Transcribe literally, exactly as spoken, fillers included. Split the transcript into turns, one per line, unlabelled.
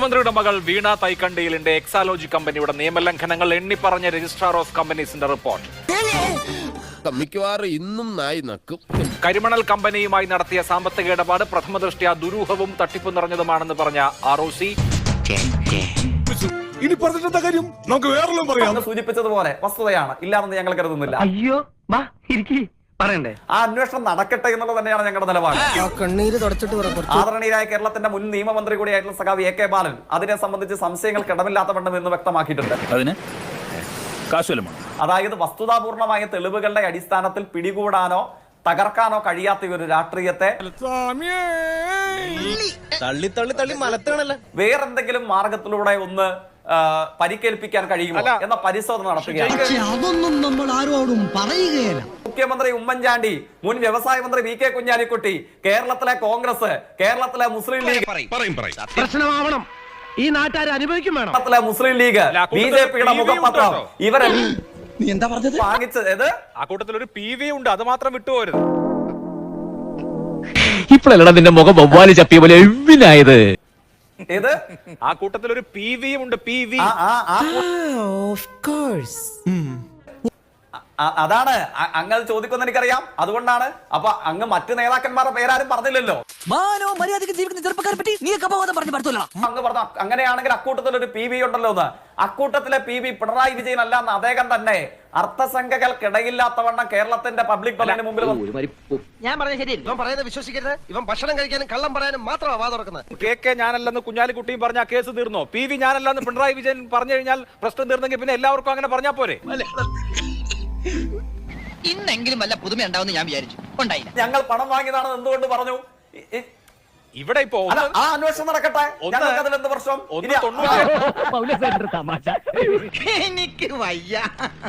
മുഖ്യമന്ത്രിയുടെ മകൾ വീണ തൈക്കണ്ടിയിലിന്റെ എക്സാലോജി കമ്പനിയുടെ നിയമലംഘനങ്ങൾ എണ്ണിപ്പറഞ്ഞ രജിസ്ട്രാർ ഓഫ് കമ്പനീസിന്റെ റിപ്പോർട്ട്.
മിക്കവാറും ഇന്നും നായി നക്കും.
കരിമണൽ കമ്പനിയുമായി നടത്തിയ സാമ്പത്തിക ഇടപാട് പ്രഥമദൃഷ്ട്യാ ദുരൂഹവും തട്ടിപ്പു നിറഞ്ഞതുമാണെന്ന് പറഞ്ഞ ആർ ഒ സി.
ഇനി പറഞ്ഞിട്ടെന്താ കാര്യം, നമുക്ക് വേറെല്ലാം പറയാം.
സൂചിപ്പിച്ചതുപോലെ വസ്തുതയാണ്, ഇല്ലാതെന്ന് ഞങ്ങൾ കരുതുന്നില്ല.
അയ്യോ പറയണ്ടേ,
ആ അന്വേഷണം നടക്കട്ടെ എന്നുള്ളത് തന്നെയാണ് ഞങ്ങളുടെ നിലപാട്. ആദരണീയരായ കേരളത്തിന്റെ മുൻ നിയമമന്ത്രി കൂടിയായിട്ടുള്ള സഖാവ് എ കെ ബാലൻ അതിനെ സംബന്ധിച്ച് സംശയങ്ങൾക്ക് ഇടമില്ലാത്ത വണ്ണം എന്ന് വ്യക്തമാക്കിയിട്ടുണ്ട്. അതായത് വസ്തുതാപൂർണമായ തെളിവുകളുടെ അടിസ്ഥാനത്തിൽ പിടികൂടാനോ തകർക്കാനോ കഴിയാത്ത ഒരു രാഷ്ട്രീയത്തെ
തള്ളി തള്ളി തള്ളി മലത്താണല്ലോ
വേറെന്തെങ്കിലും മാർഗത്തിലൂടെ ഒന്ന് പരിക്കേൽപ്പിക്കാൻ കഴിയുമോ എന്ന പരിശോധന നടത്തുകയാണ്.
അതൊന്നും നമ്മൾ ആരോടും പറയുകയല്ല.
മുഖ്യമന്ത്രി ഉമ്മൻചാണ്ടി, മുൻ വ്യവസായ മന്ത്രി വി കെ കുഞ്ഞാലിക്കുട്ടി, കേരളത്തിലെ കോൺഗ്രസ്, കേരളത്തിലെ മുസ്ലിം ലീഗ്,
പ്രശ്നമാവണം, ഈ നാട്ടുകാർ അനുഭവിക്കും വേണം,
കേരളത്തിലെ മുസ്ലിം ലീഗ്, ബി ജെ പിയുടെ മുഖപത്രം, ഇവരെല്ലാം
നീ എന്താ പറഞ്ഞത്?
വാങ്ങിച്ചത്
ആ കൂട്ടത്തിൽ ഒരു പി വി ഉണ്ട്, അത് മാത്രം വിട്ടുപോരുത്.
ഇപ്പോഴല്ല നിന്റെ മുഖം വവ്വാലി ചപ്പിയ പോലെ എവിനായത്.
ഇത്
ആ കൂട്ടത്തിൽ ഒരു പി വിയും ഉണ്ട്, പി വി.
അതാണ് അങ്ങ് ചോദിക്കുന്ന എനിക്കറിയാം, അതുകൊണ്ടാണ്. അപ്പൊ അങ്ങ് മറ്റു നേതാക്കന്മാരുടെ പേരാരും പറഞ്ഞില്ലല്ലോ.
മാനോ മര്യാദയ്ക്ക് ജീവിക്കുന്ന ചെറുപ്പക്കാരെ പറ്റി നീ അപവാദം പറഞ്ഞു പറ്റൂല.
അങ്ങ് പറഞ്ഞു അങ്ങനെയാണെങ്കിൽ അക്കൂട്ടത്തിൽ ഒരു പി വി ഉണ്ടല്ലോ എന്ന്. അക്കൂട്ടത്തിലെ പി വി പിണറായി വിജയൻ അല്ല എന്ന് അദ്ദേഹം തന്നെ അർത്ഥസംഖ്യകൾക്കിടയില്ലാത്തവണ്ണം കേരളത്തിന്റെ പബ്ലിക് പള്ളിന് മുമ്പിൽ
ഞാൻ പറഞ്ഞ ശരി,
ഇവൻ പറയുന്നത് വിശ്വസിക്കരുത്. ഇവൻ ഭക്ഷണം കഴിക്കാനും കള്ളം പറയാനും മാത്രമാണ് വാ തുറക്കുന്നത്.
കെ കെ ഞാനല്ലെന്ന് കുഞ്ഞാലിക്കുട്ടിയും പറഞ്ഞ കേസ് തീർന്നോ? പി വി ഞാനല്ലെന്ന് പിണറായി വിജയൻ പറഞ്ഞു കഴിഞ്ഞാൽ പ്രശ്നം തീർന്നെങ്കിൽ പിന്നെ എല്ലാവർക്കും അങ്ങനെ പറഞ്ഞാ പോരെ?
ഇന്നെങ്കിലും വല്ല പുതുമ ഉണ്ടാവും ഞാൻ വിചാരിച്ചു, ഉണ്ടായില്ല.
ഞങ്ങൾ പണം വാങ്ങിയതാണെന്ന് എന്തുകൊണ്ട് പറഞ്ഞു?
ഇവിടെ ഇപ്പോ
ആ അന്വേഷണം നടക്കട്ടെ. ഞങ്ങൾക്ക് അതിൽ എന്ത് പ്രശ്നം?
തമാശ എനിക്ക് വയ്യ.